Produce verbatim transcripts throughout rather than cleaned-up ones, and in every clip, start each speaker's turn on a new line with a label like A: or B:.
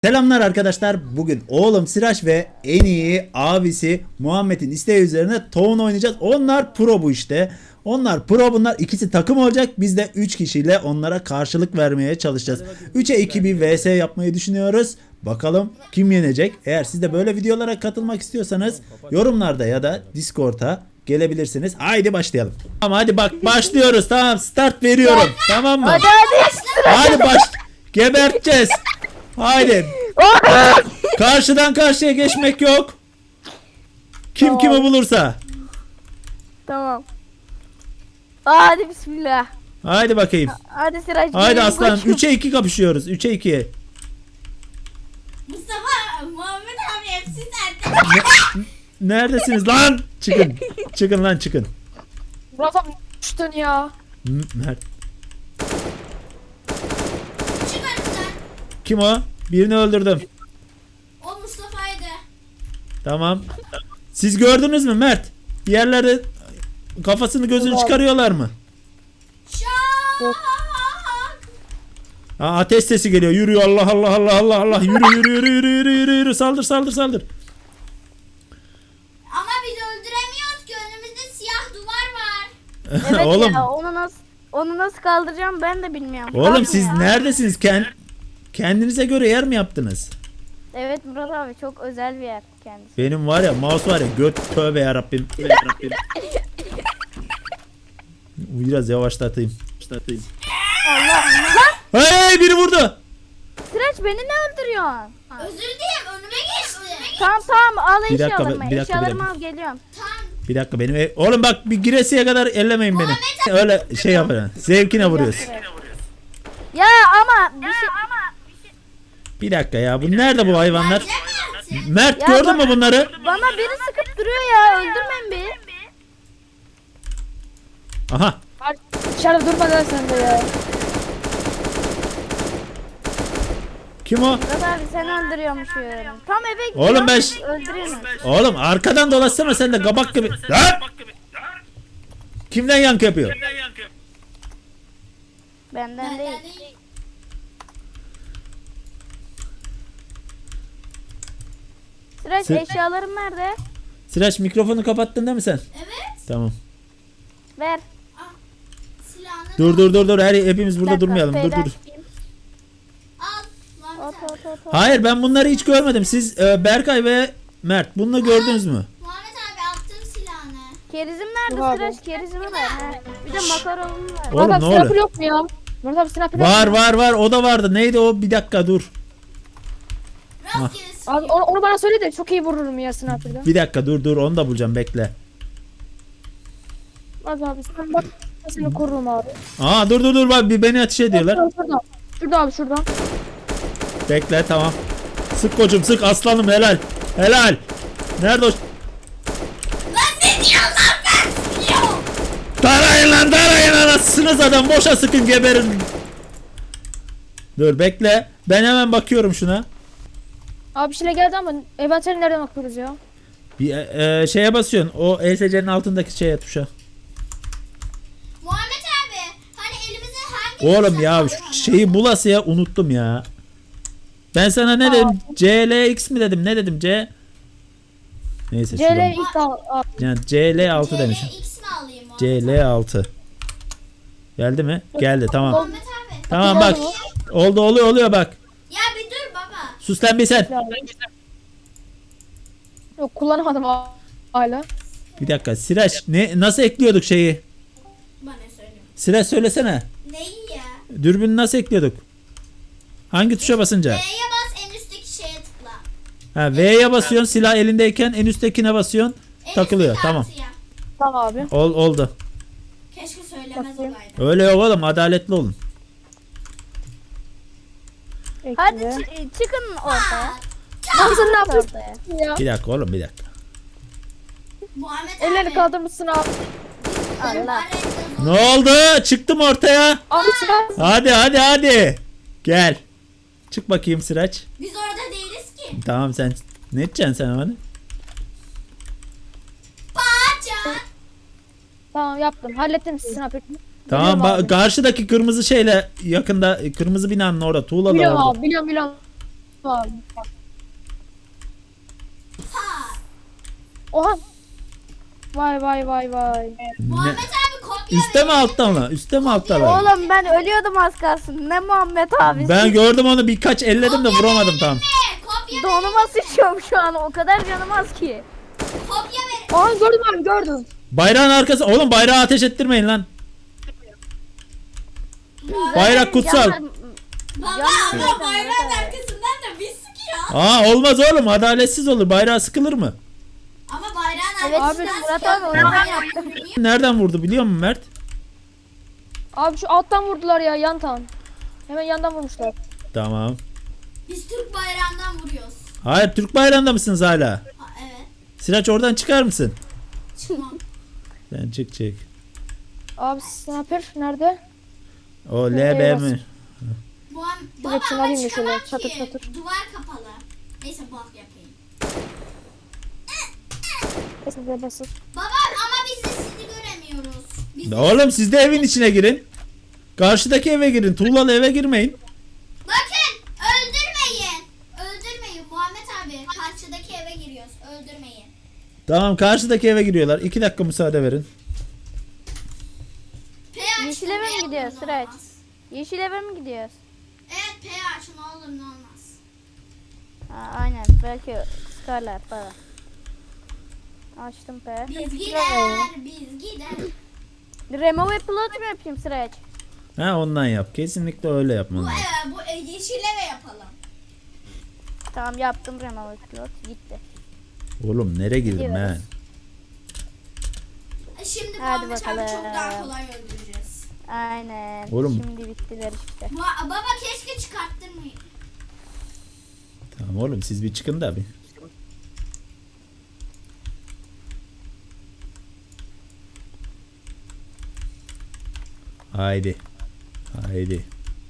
A: Selamlar arkadaşlar. Bugün oğlum Sıraç ve en iyi abisi Muhammed'in isteği üzerine Town oynayacağız. Onlar pro bu işte. Onlar pro, bunlar ikisi takım olacak. Biz de üç kişiyle onlara karşılık vermeye çalışacağız. üçe iki bir vs yapmayı düşünüyoruz. Bakalım kim yenecek? Eğer siz de böyle videolara katılmak istiyorsanız yorumlarda ya da Discord'a gelebilirsiniz. Haydi başlayalım. Tamam hadi bak başlıyoruz. Tamam start veriyorum. Tamam mı?
B: Hadi hadi.
A: Hadi baş. Geberteceğiz. Haydi. Karşıdan karşıya geçmek yok. Kim
B: Tamam.
A: kimi bulursa.
B: Tamam. Hadi bismillah.
A: Haydi bakayım.
B: Hadi Sıraç.
A: Haydi
B: benim
A: aslanım.
B: koçum.
A: üçe iki kapışıyoruz. üçe iki.
C: Mustafa, Muhammed abi hepsi sende.
A: Neredesiniz lan? Çıkın. Çıkın lan çıkın.
D: Murat abi düştün ya.
A: M- Mert.
C: Çık önümden.
A: Kim o? Birini öldürdüm.
C: O Mustafa'ydı.
A: Tamam. Siz gördünüz mü Mert? Bir yerlerde kafasını gözünü çıkarıyorlar mı?
C: Şak.
A: Aa, ateş sesi geliyor. Yürüyor. Allah Allah Allah Allah Allah. Yürü yürü yürü yürü yürü yürü yürü. Saldır saldır saldır.
C: Ama biz öldüremiyoruz ki, önümüzde siyah duvar var.
B: Evet
A: Oğlum.
B: ya, onu nasıl onu nasıl kaldıracağım ben de bilmiyorum.
A: Oğlum
B: Tamam
A: siz
B: ya.
A: neredesiniz? Kend kendinize göre yer mi yaptınız?
B: Evet Murat abi, çok özel bir yer kendisi.
A: Benim var ya mouse var ya göt, tövbe yarabbim. Tövbe yarabbim. Biraz yavaşlatayım. Yavaşlatayım.
B: Allah Allah.
A: Hey biri vurdu.
B: Sıraç beni ne öldürüyorsun?
C: Özür dilerim, önüme geçti.
B: Tamam tamam, al
A: Bir dakika,
B: eşyalarımı.
A: bir dakika, bir
B: Eşyalarımı
A: dakika.
B: al, geliyorum.
C: Tam.
A: Bir dakika benim ev... Oğlum bak bir giresiye kadar ellemeyin beni. Öyle şey yapın. Zevkine vuruyorsun.
B: Ya ama bir şey
A: Bir dakika ya. Bu nerede bu hayvanlar?
C: Bilemezsin.
A: Mert
B: Ya
A: gördün
B: bak-
A: mü bunları?
B: bana biri sıkıp duruyor ya, öldürmeyin bir.
A: Aha.
D: Abi dışarıda durma lan sen de ya.
A: Kim o?
B: Murat abi sen öldürüyormuşum. Tam eve gidiyorum.
A: Oğlum ben...
B: Öldürüyorsun.
A: Oğlum arkadan dolaşsana sen de kabak gibi. Lan! Kimden yankı yapıyor?
B: Benden değil.
C: Benden değil.
B: Sıraç
A: Sı-
B: eşyalarım nerede?
A: Sıraç mikrofonu kapattın değil mi sen?
C: Evet.
A: Tamam.
B: Ver.
C: Silahını
A: Dur dur dur dur. Her hepimiz burada
B: Bir dakika,
A: durmayalım. Dur
B: P'den
A: dur.
B: çıkayım.
C: al. Muhammed
B: Hop
C: abi.
B: hop hop hop.
A: Hayır ben bunları hiç görmedim. Siz e, Berkay ve Mert bunu gördünüz mü?
C: Muhammed abi attım silahını.
B: Kerizim nerede
D: Yok abi.
B: Sıraç? Kerizimi ver. He. Bir de makaronum ver.
A: Oğlum,
D: Murat abi
A: ne oluyor?
D: sniper yok mu ya? Murat abi sniper yok
A: Var
D: mu?
A: var var o da vardı. Neydi o? Bir dakika dur.
C: Rastgele
D: Abi
C: sıkıyor.
D: onu, onu bana söyle de çok iyi vururum ya sniper'da.
A: Bir dakika dur dur onu da bulacağım bekle.
D: Murat abi sen bak, ben seni korurum abi.
A: Aa dur dur dur bak bir beni ateş ediyorlar.
D: Şurada, şurada. Şurada abi şurada.
A: Bekle tamam. Sık kocum sık aslanım helal. Helal. Nerede o?
C: Lan ne diyorsun lan, ben sıkıyorum.
A: Tarayın lan tarayın anasınız adam boşa sıkın geberin. Dur bekle. Ben hemen bakıyorum şuna.
D: Abi bir şeyle geldi ama eventleri nereden bakıyoruz ya?
A: Bir e, e, şeye basıyorsun. O E S C'nin altındaki şeye tuşa.
C: Muhammed abi, hani elimize hangi
A: Oğlum
C: tuşa
A: ya
C: alıyoruz?
A: şu şeyi bulasıya unuttum ya. Ben sana ne dedim? C L X mi dedim? Ne dedim? C Neyse
D: C L
A: şuradan.
D: ilk al. abi.
A: Yani C L altı demişim.
C: C L X mi alayım Muhammed
A: C L altı. Geldi mi? Geldi tamam.
C: Muhammed abi.
A: Tamam bak. Oldu oluyor oluyor bak.
C: Ya bir dur baba.
A: Sus lan bir sen.
D: Yok kullanamadım ha- hala.
A: Bir dakika. Siraç ne nasıl ekliyorduk şeyi?
C: Bana söyle.
A: Siraç söylesene.
C: Neyi ya?
A: Dürbünü nasıl ekliyorduk? Hangi tuşa basınca?
C: V'ye bas, en üstteki şeye tıkla.
A: Ha V'ye basıyorsun silah elindeyken en üsttekine basıyorsun.
C: En
A: Takılıyor,
C: üstteki
A: tamam.
C: artıya.
D: Tamam abi.
A: Ol, oldu.
C: Keşke söylemez
D: Bakayım.
C: olaydı.
A: Öyle yok oğlum adaletli olun.
B: Hadi
D: Ekle.
B: çı- çıkın ortaya.
D: Abi sen ne yapıyorsun
B: Ortaya.
D: ya?
A: Bir dakika oğlum bir dakika.
C: Muhammed
D: Ellerini
C: abi.
D: kaldırmışsın abi.
B: Allah.
A: Ne oldu? Çıktım ortaya.
D: Abi silah.
A: Hadi hadi hadi. Gel. Çık bakayım Sıraç.
C: Biz orada değiliz ki.
A: Tamam sen ne edeceksin sen bana?
C: Paça.
D: Tamam yaptım. Hallettim sniper.
A: Tamam
D: Biliyorum
A: ba-
D: abi.
A: karşıdaki kırmızı şeyle yakında kırmızı binanın orada tuğla da
D: Biliyorum
A: orada.
D: abi biliyorum biliyorum. Abi.
C: Ha.
D: Oha. Vay vay vay vay.
C: Muhammed abi kopya
A: Üste mi
C: verin.
A: alttan mı? Üste mi alttan mı?
B: Oğlum ben ölüyordum az kalsın. Ne Muhammed abi.
A: Ben gördüm onu, birkaç elledim de vuramadım tam.
C: Ne? Kopya verin.
B: Donuma sıçıyorum şu an. O kadar canım az ki.
C: Kopya verin.
D: Aa gördüm abi gördüm.
A: Bayrağın arkası. Oğlum bayrağı ateş ettirmeyin lan. Bayrak kutsal.
B: Canım-
C: Baba
B: Canım
C: ama
B: zaten
C: bayrağın
B: Murat abi.
C: arkasından da bir sıkıyor.
A: Aa olmaz oğlum, adaletsiz olur. Bayrağı sıkılır mı?
C: Ama bayrağın
B: Evet,
C: arkasından
B: Murat
C: sıkıyor.
B: abi, o yüzden
C: Bayrağı
B: yaptım.
C: vurmuyor.
A: Nereden vurdu biliyor musun Mert?
D: Abi şu alttan vurdular ya yantan. Hemen yandan vurmuşlar.
A: Tamam.
C: Biz Türk bayrağından vuruyoruz.
A: Hayır, Türk bayrağında mısınız hala?
C: Ha, evet.
A: Sıraç oradan çıkar mısın?
C: Çıkmam.
A: Sen çık çık.
D: Abi sniper nerede?
A: O L
D: Ee,
A: B
D: bas.
A: mi?
C: Bu an, baba
D: Evet, şunu
C: ama
D: alayım da şöyle,
C: çıkamam
D: çatır
C: ki.
D: çatır.
C: Duvar kapalı. Neyse bak yapayım.
D: Neyse de basır.
C: Baba ama biz de sizi göremiyoruz. Biz de...
A: Oğlum siz de evin içine girin. Karşıdaki eve girin. Tuğlalı eve girmeyin.
C: Bakın öldürmeyin. Öldürmeyin Muhammed abi. Karşıdaki eve giriyoruz. Öldürmeyin.
A: Tamam, karşıdaki eve giriyorlar. İki dakika müsaade verin.
C: P açın.
B: Yeşil eve mi
C: ne olur
B: gidiyoruz,
C: ne
B: Sıraç?
C: olmaz.
B: Yeşil eve mi gidiyoruz?
C: Evet P aç ne olur ne olmaz.
B: Ha, aynen. Belki sıkarlar falan. Açtım P.
C: Biz gider, biz gider.
B: Remove upload mu yapayım Sıraç?
A: Ha, ondan yap. Kesinlikle öyle yapman
C: Bu
A: lazım.
C: eve, bu e, yeşil eve yapalım.
B: Tamam yaptım remove upload. Gitti.
A: Oğlum nereye girdin
B: Gidiyoruz.
A: ha?
C: E, Şimdi
B: Hadi
C: Muhammed abi
B: bakalım.
C: çok daha kolay öldüreceğiz.
B: Aynen.
A: Oğlum.
B: Şimdi bittiler işte.
C: Ba- baba keşke çıkarttırmayın.
A: Tamam oğlum, siz bir çıkın da bir. Haydi. Haydi.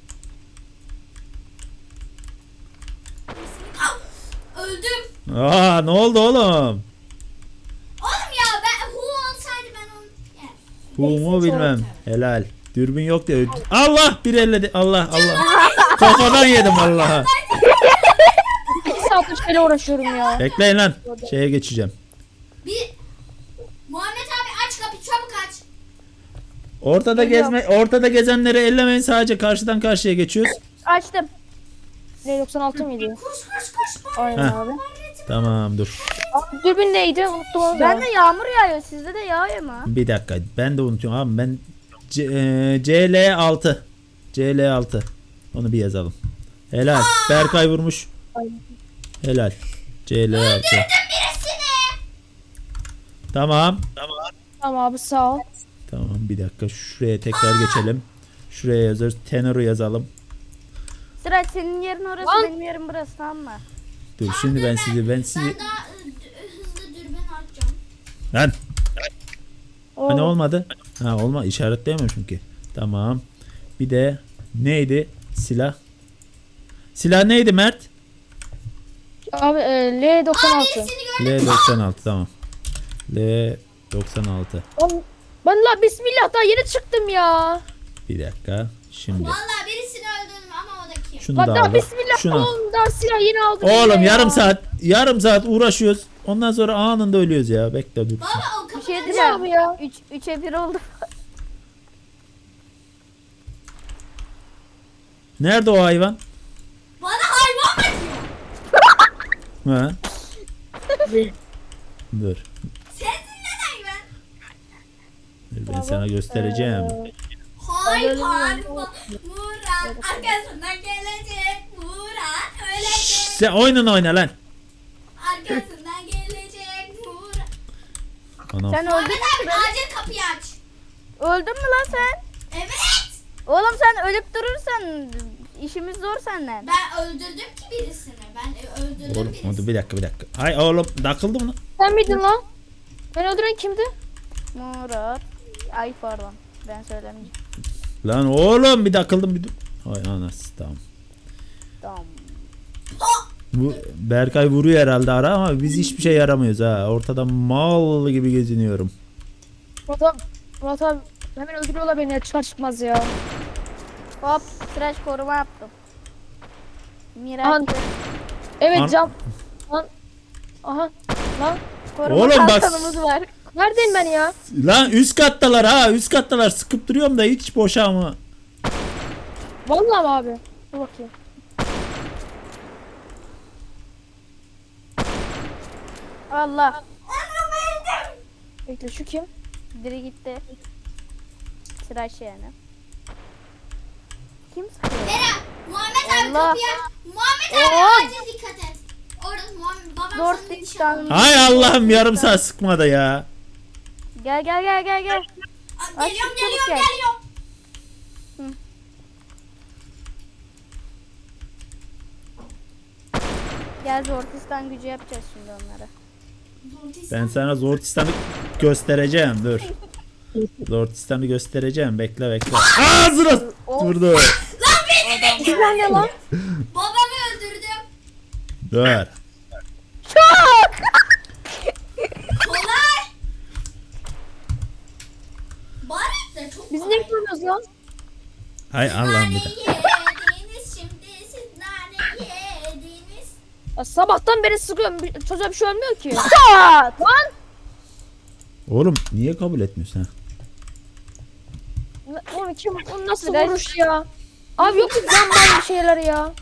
C: Al, öldüm.
A: Aa, ne oldu oğlum?
C: Oğlum ya ben Hu olsaydı ben onu yer.
A: Hu mu bilmem. Helal. Dürbün yok diye. Allah, bir elledi. Allah Allah. Kafadan yedim Allah'a.
D: İki saattir şeyle uğraşıyorum ya.
A: Bekleyin lan. Şeye geçeceğim.
C: Bir Muhammed abi aç kapıyı çabuk aç.
A: Ortada
D: Geliyorum.
A: gezme, ortada gezenleri ellemeyin, sadece karşıdan karşıya geçiyoruz.
B: Açtım.
D: L doksan altı mıydı?
C: Koş koş koş.
D: Aynen
A: Heh.
D: abi.
A: Tamam dur.
D: Abi dürbün neydi? Unuttum onu da.
B: Ben de yağmur yağıyor. Sizde de yağıyor mu?
A: Bir dakika, ben de unutuyorum abi, ben C, e, C L altı. C L altı. Onu bir yazalım. Helal. Berkay vurmuş. Helal. C L altı.
C: Birisini.
A: Tamam.
D: Tamam abi sağ ol.
A: Tamam, bir dakika, şuraya tekrar geçelim. Şuraya yazıyoruz. Tenor'u yazalım.
B: Sıraç senin yerin orası,
D: Lan.
B: benim yerim burası, tamam mı?
A: Dur şimdi ben sizi ben sizi
C: Ben daha ı, d- hızlı dürbün atacağım.
A: lan
D: Oo.
A: hani olmadı? Ha, olma, işaretleyemiyorum ki. Tamam. Bir de neydi? Silah. Silah neydi Mert?
D: Abi e, L doksan altı.
C: Birisini gördüm.
A: L doksan altı, tamam. L doksan altı.
D: Oğlum, ben la bismillah daha yeni çıktım ya.
A: Bir dakika. Şimdi
C: Vallahi birisini öldürdüm ama o da kim?
A: şunu
D: Bak
A: da
D: daha
A: aldım.
D: bismillah
A: Şunu.
D: oğlum daha silah yeni aldım.
A: Oğlum
D: yine ya.
A: yarım saat yarım saat uğraşıyoruz. Ondan sonra anında ölüyoruz ya. Bekle dur.
C: Baba o
B: Bir
C: kapıdan
B: şey
D: Ne
B: diyeceğim.
D: abi ya?
B: Üç, üçe bir oldu.
A: Nerede o hayvan?
C: bana hayvan bakıyor.
A: Ha? Dur.
C: Sensin lan hayvan.
A: Dur, ben sana göstereceğim.
C: Hayvan Murat arkasından gelecek. Murat ölecek.
A: Sen oyunun oyna lan.
C: Arkasından gelecek. Murat.
A: Anam.
B: Sen öldün
C: Muhammed
B: mü?
C: abi acil kapıyı aç.
B: Öldün mü lan sen?
C: Evet.
B: Oğlum sen ölüp durursan işimiz zor senden.
C: Ben öldürdüm ki birisini. Ben e, öldürdüm
A: Oğlum
C: birisini.
A: dur bir dakika bir dakika. Hay oğlum, takıldı mı lan?
D: Sen miydin lan? Beni öldüren kimdi?
B: Murat. Ay pardon. Ben söylemeyeceğim.
A: Lan oğlum bir takıldım bir dur. Hay anası, tamam.
B: Tamam.
A: Bu Berkay vuruyor herhalde ara ama biz hiçbir şey yaramıyoruz ha. Ortada mal gibi geziniyorum.
D: Murat abi, Murat abi hemen öldürüyorlar beni ya çıkar çıkmaz ya.
B: Hop. Sıraç koruma yaptım.
D: Aha.
B: Miraç.
D: Evet
A: An-
D: cam. Lan. Aha. Lan.
B: Koruma
A: Oğlum bak-
B: kalkanımız var.
D: Neredeyim ben ya?
A: Lan üst kattalar ha, üst kattalar, sıkıp duruyorum da hiç boşa mı?
D: Vallahi mi abi? Dur bakayım.
B: Allah.
D: Bekle şu kim?
B: Biri gitti. Sıraş yani. Kim sıkıyor?
C: Bera, Muhammed abi
B: Allah.
C: kapıya. Muhammed abi
B: Oo.
C: acil dikkat et. Orada Muhammed babam
B: Zor
C: sana nişan
B: tıktan.
C: alıyor.
A: Hay Allah'ım, yarım saat sıkmadı ya.
B: Gel gel gel gel gel.
C: Aa,
B: Aç,
C: Geliyorum
B: çabuk
C: geliyorum
B: gel.
C: geliyorum.
B: Gel Zortistan gücü yapacağız şimdi onlara.
A: Ben sana Zortistan'ı göstereceğim, dur. Zortistan'ı göstereceğim, bekle bekle. Ağzına vurdu.
D: Kimden ne lan?
C: Babamı öldürdüm.
A: Dur.
C: Kolay. Bari de çok
D: Biz
C: kolay.
D: ne yapıyoruz lan?
A: Hay Allah'ım
C: Nane
A: bir de.
C: yediniz şimdi siz nane yediniz.
D: Ya sabahtan beri sıkıyorum. Bir- Çocuğa bir şey olmuyor ki.
B: Çat!
D: Lan.
A: Oğlum niye kabul etmiyorsun ha?
D: Ne- Onu kim? O nasıl
B: Biraz-
D: vuruş ya? Abi yok mu cam bas bir şeyler ya?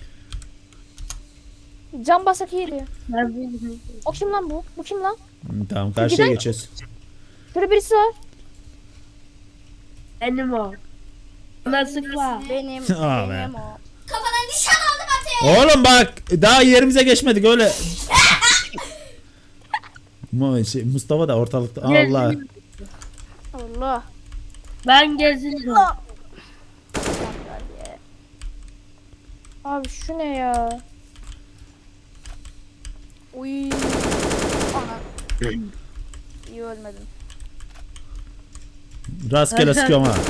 D: Cam basak iyiydi. O kim lan bu? Bu kim lan?
A: Hı, tamam, karşıya
D: Giden-
A: geçiyoruz.
D: Şurada birisi var.
E: Benim o. Bana sıkma.
B: Benim,
A: Aa be.
B: benim o.
C: Kafadan nişan aldım Ateş.
A: Oğlum bak, daha yerimize geçmedik öyle. Mu- şey, Mustafa da ortalıkta. Allah.
B: Allah.
E: Ben gezinirim.
D: Abi şu ne ya?
B: Uy. Ana. İyi ölmedim.
A: Rastgele sıkıyorum ha.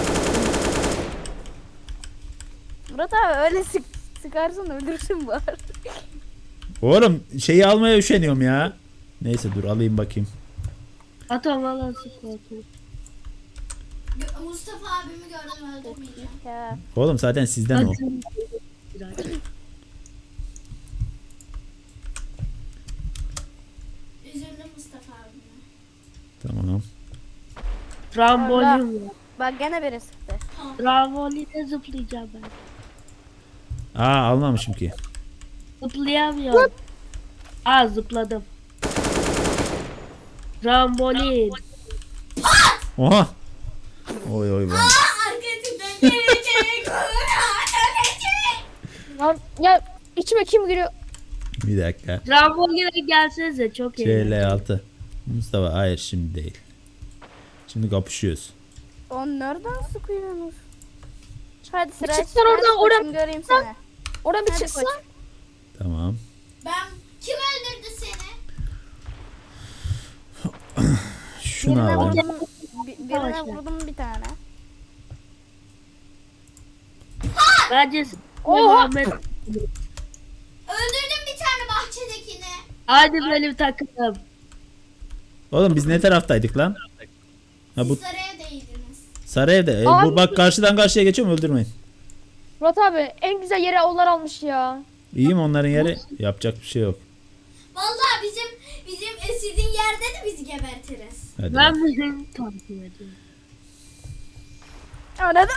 B: Murat abi öyle sık sıkarsan öldürsün bari.
A: Oğlum şeyi almaya üşeniyorum ya. Neyse dur alayım bakayım.
E: Atom valla sıkma.
C: Gö- Mustafa abimi gördüm öldürmeyeceğim.
B: Ya.
A: Oğlum zaten sizden o.
C: Üzüldüm Mustafa abime.
A: Tamam.
E: Trambolin var.
B: Bak gene biri sıktı.
E: Tramboline zıplayacağım ben.
A: Aa, almamışım ki.
E: Zıplayamıyorum. Aa zıpladım. Trambolin.
A: Oha. Oy oy vay.
C: Arkasından gelecek. Ölecek.
D: Lan ya içime kim giriyor?
A: Bir dakika.
E: Tramboline gelsenize çok iyi.
A: C L altı. Mustafa hayır, şimdi değil. Şimdi kapışıyoruz.
B: On nereden sıkıyorsunuz? Hadi sıra.
D: çıksan oradan, oradan.
B: Göreyim seni.
D: Oradan bir
B: Hadi
D: çıksa.
B: koç.
A: Tamam.
C: Ben kim öldürdü seni?
A: Şunu
B: Birine
A: alalım.
B: vurdum, bi- birine vurdum bir tane.
E: Bence
D: Oha!
E: Muhammed.
C: Öldürdüm bir tane bahçedekini.
E: Hadi benim takımım.
A: Oğlum biz ne taraftaydık lan? Ha
C: Siz
A: bu
C: saraya değdiniz.
A: sarı evde. E,
D: Abi-
A: bu bak karşıdan karşıya geçiyorum, öldürmeyin.
D: Murat abi en güzel yere onlar almış ya.
A: İyi mi onların yeri? Yapacak bir şey yok.
C: Vallahi bizim bizim e, sizin yerde de bizi gebertiriz.
A: Hadi.
E: Ben bizim takip ediyorum.
B: Anladın?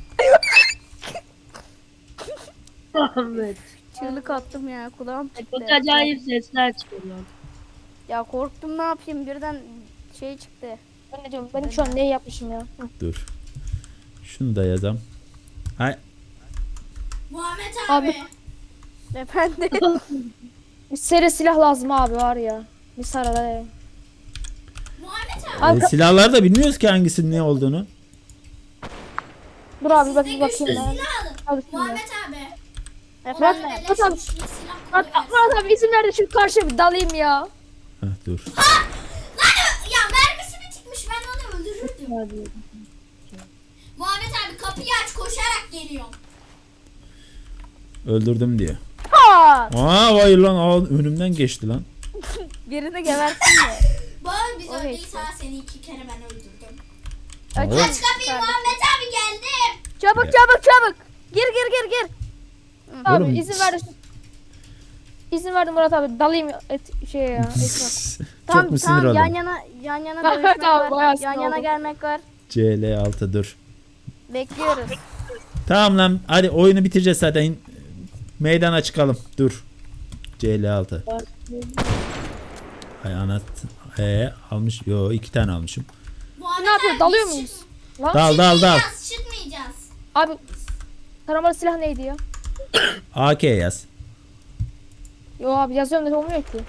E: Muhammed.
B: Çığlık attım ya kulağım
E: Çok
B: çıktı.
E: acayip sesler çıkıyor.
B: Ya korktum, ne yapayım, birden şey çıktı.
D: Ben ne diyorum? Benim şu an ne yapmışım ya? Hı.
A: Dur. Şunu da yazam. Hay.
C: Muhammed abi.
D: Abi.
B: Efendim.
D: Bir seri silah lazım abi var ya. Bir sarada.
C: Muhammed abi.
D: Abi
A: E, silahları da bilmiyoruz ki hangisinin ne olduğunu.
D: dur abi bak
C: Size
D: bir
C: güçlü
D: bakayım ben.
C: silah alın.
D: Al şimdi.
C: Muhammed abi.
B: Efendim.
C: Ona beleş
D: Murat abi.
C: güçlü silah
D: Murat,
C: koyuversin.
D: Murat abi izin ver de şu karşıya bir dalayım ya.
A: Heh, dur.
C: Lan ya mermisi mi çıkmış, ben onu öldürürdüm. Muhammed abi kapıyı aç, koşarak geliyorum.
A: Öldürdüm diyor.
B: Ha!
A: Aa vay lan, aa, önümden geçti lan.
B: Birini gebersin de.
C: Bana biz
B: O
C: öldüyse
B: geçti.
C: seni iki kere ben öldürdüm.
B: Aç,
A: Oğlum.
C: Aç kapıyı Muhammed abi, geldim.
B: Çabuk çabuk çabuk. Gir gir gir gir.
D: Abi
A: Oğlum.
D: izin ver de şu... izin verdim Murat abi. Dalayım et şeye ya. Etme.
A: Çok mu sinir
B: tamam,
A: oldun?
B: yan yana yan yana
D: Tamam,
B: dövüşmek
D: tamam, bayağı
B: var.
D: sinir
B: Yan yana
D: oldum.
B: gelmek var.
A: C L altı dur.
B: Bekliyoruz.
A: Tamam lan hadi oyunu bitireceğiz zaten. Meydana çıkalım. Dur. C L altı. Ay anat. Ee, almış. Yo iki tane almışım.
C: Muhammed
D: Ne yapıyor?
C: abi,
D: Dalıyor
C: biz
D: muyuz?
C: çık-
D: Lan.
A: Dal dal dal.
C: Çıkmayacağız, çıkmayacağız.
D: Abi taramalı silah neydi ya?
A: A K yaz.
D: Yo abi yazıyorum da olmuyor ki.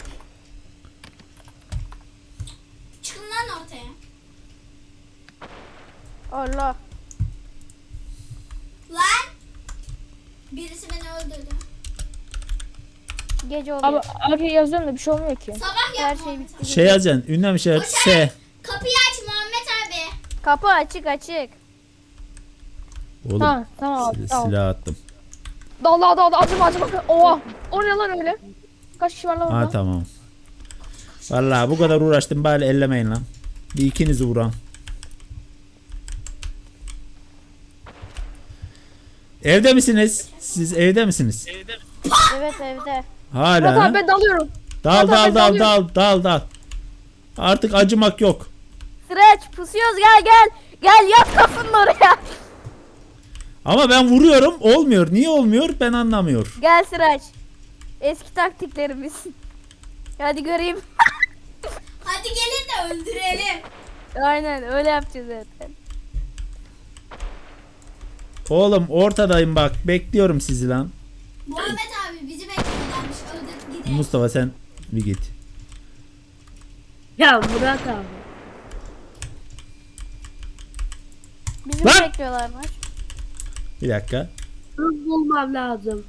C: Çıkın lan ortaya.
B: Allah.
C: Lan. Birisi beni öldürdü.
B: Gece
D: Abi
B: oluyor.
D: abi yazıyorum da bir şey olmuyor ki.
C: Sabah
B: Her
C: yap
B: şey
C: Muhammed
B: bitti.
C: abi.
A: Şey yazacaksın. Ünlem işareti S.
C: Kapıyı aç Muhammed abi.
B: Kapı açık açık.
A: Oğlum
D: Tamam tamam abi
A: sil-
D: tamam.
A: silah attım.
D: Dal dal dal dal acıma acıma. Oha. O ne lan öyle? Kaç kişi var lan
A: Ha
D: orada?
A: tamam. Vallahi bu kadar uğraştım bari ellemeyin lan. Bir ikinizi vuran. Evde misiniz? Siz evde misiniz?
B: Evet evde.
A: Hala.
D: Murat
A: ha?
D: abi ben dalıyorum.
A: Dal
D: Murat
A: dal
D: abi,
A: dal
D: dalıyorum.
A: dal dal dal. Artık acımak yok.
B: Sıraç pusuyoruz gel gel. Gel yat kapının oraya.
A: Ama ben vuruyorum olmuyor. Niye olmuyor ben anlamıyor.
B: Gel Sıraç. Eski taktiklerimiz. Hadi göreyim.
C: Hadi gelin de öldürelim.
B: Aynen öyle yapacağız zaten.
A: Oğlum ortadayım bak bekliyorum sizi lan.
C: Muhammed abi bizi bekliyorlarmış. Öldürüp gidelim.
A: Mustafa sen bir git.
E: Ya Murat abi.
B: Bizi
A: Lan!
B: bekliyorlarmış.
A: Bir dakika.
E: Hız bulmam lazım.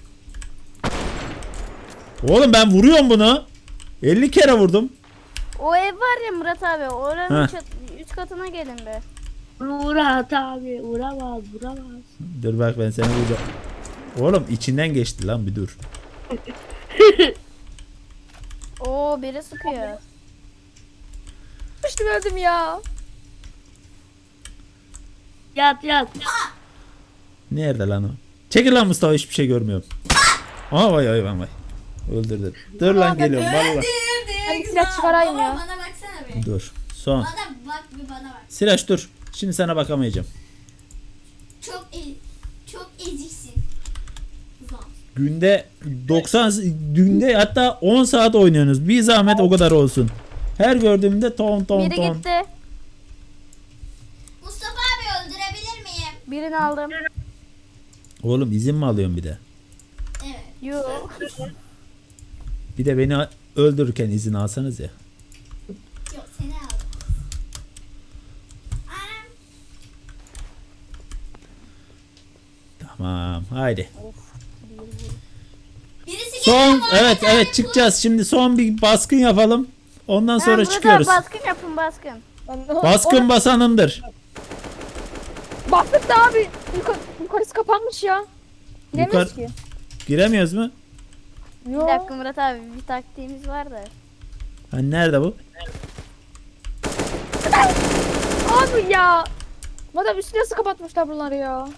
A: Oğlum ben vuruyorum bunu. elli kere vurdum.
B: O ev var ya Murat abi. Oranın
A: Heh.
B: çat- üç katına gelin be.
E: Murat abi vuramaz vuramaz.
A: Dur bak ben seni vuracağım. Oğlum içinden geçti lan bir dur.
B: Oo biri sıkıyor.
D: Düştüm öldüm ya.
E: Yat yat.
A: Nerede lan o? Çekil lan Mustafa hiçbir şey görmüyorum. Aa vay vay vay vay. Öldürdün. Dur lan geliyorum valla.
C: Öldürdük.
D: Hadi silah çıkarayım
C: Baba,
D: ya.
C: Bana baksana bir.
A: Dur. Son.
C: Bana bak bir bana bak.
A: Siraç dur. Şimdi sana bakamayacağım.
C: Çok e çok eziksin. Ulan.
A: Günde doksan günde hatta on saat oynuyorsunuz. Bir zahmet o kadar olsun. Her gördüğümde ton ton
B: Biri
A: ton.
B: gitti.
C: Mustafa abi öldürebilir miyim?
B: Birini aldım.
A: Oğlum izin mi alıyorsun bir de?
C: Evet.
B: Yok.
A: Bir de beni öldürürken izin alsanız ya.
C: Yok seni aldım. Anam.
A: Tamam haydi.
C: Birisi
A: Son
C: geliyor Muhammed
A: evet
C: abi,
A: evet çıkacağız. Şimdi son bir baskın yapalım. Ondan
B: Ha,
A: sonra
B: Murat abi,
A: çıkıyoruz.
B: baskın yapın baskın.
D: Ben-
A: Baskın
D: O-
A: basanındır.
D: Baktık da abi yukarı, yukarısı kapanmış ya. Giremiyoruz
A: Yukarı-
D: ki.
A: Giremiyoruz mu?
D: Yo.
B: Bir dakika Murat abi bir taktiğimiz var da.
A: Hani nerede bu?
D: Abi ya. Madem üstüne nasıl kapatmışlar bunları ya.
C: abi.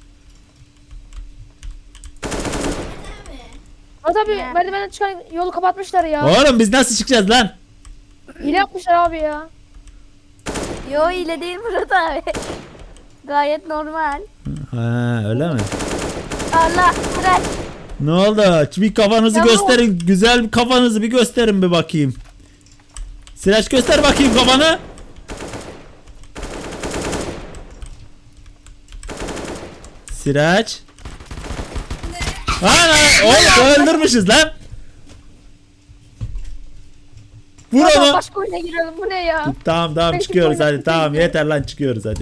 D: Murat abi
B: Ne?
D: merdivenden çıkan yolu kapatmışlar ya.
A: Oğlum biz nasıl çıkacağız lan?
D: Hile yapmışlar abi ya.
B: Yo ile değil Murat abi. Gayet normal.
A: Ha öyle mi?
B: Allah Sıraç.
A: Ne oldu? Bir kafanızı
D: Ya
A: gösterin. Güzel bir kafanızı bir gösterin bir bakayım. Siraç göster bakayım kafanı. Siraç. Ana, oğlum öldürmüşüz lan. Vur
D: Murat abi
A: onu.
D: başka oyuna girelim bu ne ya?
A: Tamam tamam
D: Belki
A: çıkıyoruz
D: böyle
A: hadi.
D: bir
A: Tamam
D: şey-
A: yeter lan çıkıyoruz hadi.